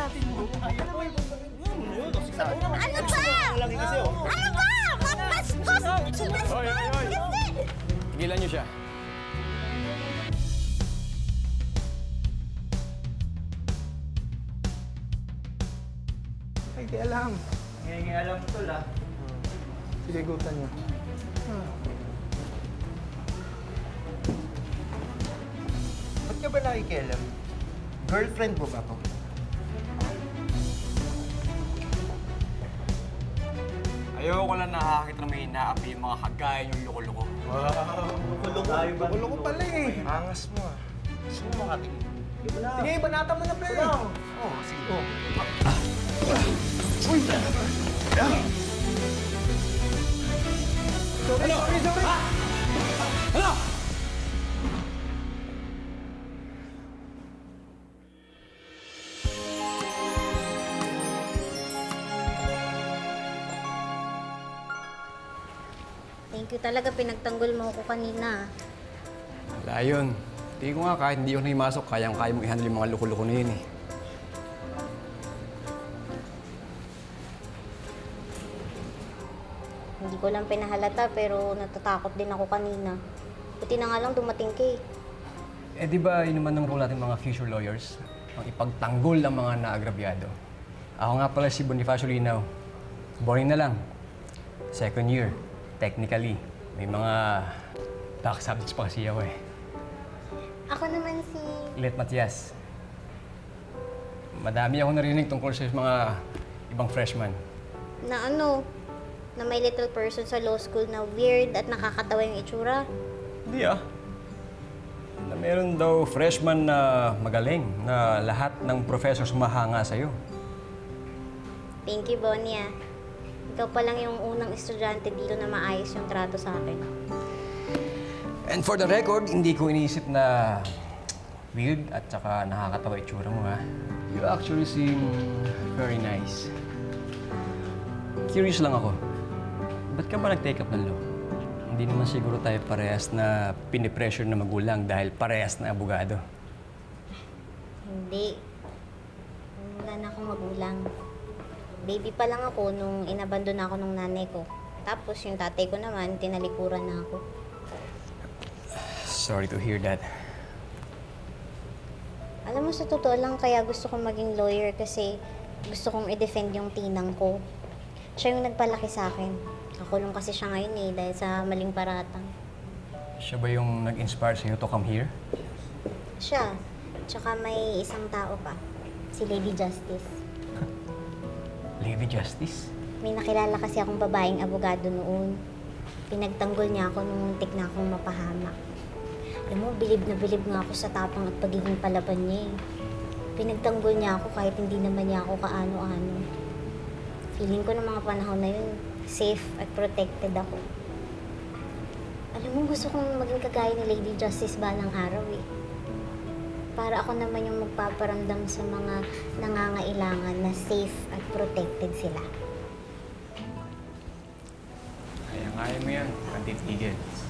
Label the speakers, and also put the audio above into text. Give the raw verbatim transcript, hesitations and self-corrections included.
Speaker 1: natin mo. Ano ba yun?
Speaker 2: Ano ba? Ano ba? Mapastos!
Speaker 3: Hoy, hoy, hoy! Tigilan niyo siya.
Speaker 4: Ay, di alam.
Speaker 1: Ngayon alam ko lang.
Speaker 4: Sige, gutan niyo.
Speaker 5: Ba't ka ba nakikialam? Girlfriend mo ba ako?
Speaker 3: Ayoko lang nakakakita na may inaapi yung mga kagaya yung loko-loko.
Speaker 5: Kulong ko pala eh. Angas mo ah. Gusto mo makatingin?
Speaker 4: Sige, banata mo na, pre.
Speaker 5: Oo, oh, sige.
Speaker 4: Sorry, sorry, sorry.
Speaker 3: Ano?
Speaker 2: Thank you talaga, pinagtanggol mo ako kanina.
Speaker 3: Wala yun. Tingin ko nga kahit hindi yun himasok, kayang-kaya mong i-handle yung mga loko-loko na yun eh.
Speaker 2: Hindi ko lang pinahalata pero natatakot din ako kanina. Buti na nga lang dumating ka eh.
Speaker 3: Eh di ba yun naman ang role natin mga future lawyers? Ang ipagtanggol ang mga naagrabyado. Ako nga pala si Bonifacio Linaw. Boring na lang. Second year, technically. May mga back subjects pa kasi ako eh.
Speaker 2: Ako naman si...
Speaker 3: Let Matias. Madami ako narinig tungkol sa mga ibang freshman.
Speaker 2: na ano, na may little person sa law school na weird at nakakatawa yung itsura.
Speaker 3: Hindi ah. Na meron daw freshman na magaling na lahat ng professor sumahanga sa'yo.
Speaker 2: Thank you, Bonnie ah. Ikaw pa lang yung unang estudyante dito na maayos yung trato sa akin.
Speaker 3: And for the record, hindi ko iniisip na weird at saka nakakatawa itsura mo ha. You actually seem very nice. Curious lang ako. Ba't ka ba nag-take up ng law? Hindi naman siguro tayo parehas na pinipressure na magulang dahil parehas na abogado.
Speaker 2: Hindi. Wala na akong magulang. Baby pa lang ako nung inabandon ako ng nanay ko. Tapos yung tatay ko naman, tinalikuran na ako.
Speaker 3: Sorry to hear that.
Speaker 2: Alam mo, sa totoo lang, kaya gusto kong maging lawyer kasi gusto kong i-defend yung tinang ko. Siya yung nagpalaki sa akin. Kakulong kasi siya ngayon eh, dahil sa maling paratang.
Speaker 3: Siya ba yung nag-inspire sa'yo to come here?
Speaker 2: Siya. Tsaka may isang tao pa. Si Lady Justice.
Speaker 3: Lady Justice?
Speaker 2: May nakilala kasi akong babaeng abogado noon. Pinagtanggol niya ako nung muntik na akong mapahamak. Alam mo, bilib na bilib nga ako sa tapang at pagiging palaban niya eh. Pinagtanggol niya ako kahit hindi naman niya ako kaano-ano. Feeling ko ng mga panahon na yun, safe at protected ako. Alam mo, gusto kong maging kagaya ni Lady Justice balang araw eh. Para ako naman yung magpaparamdam sa mga nangangailangan na safe at protected sila.
Speaker 3: Kaya-kaya mo yan. Kantitigil.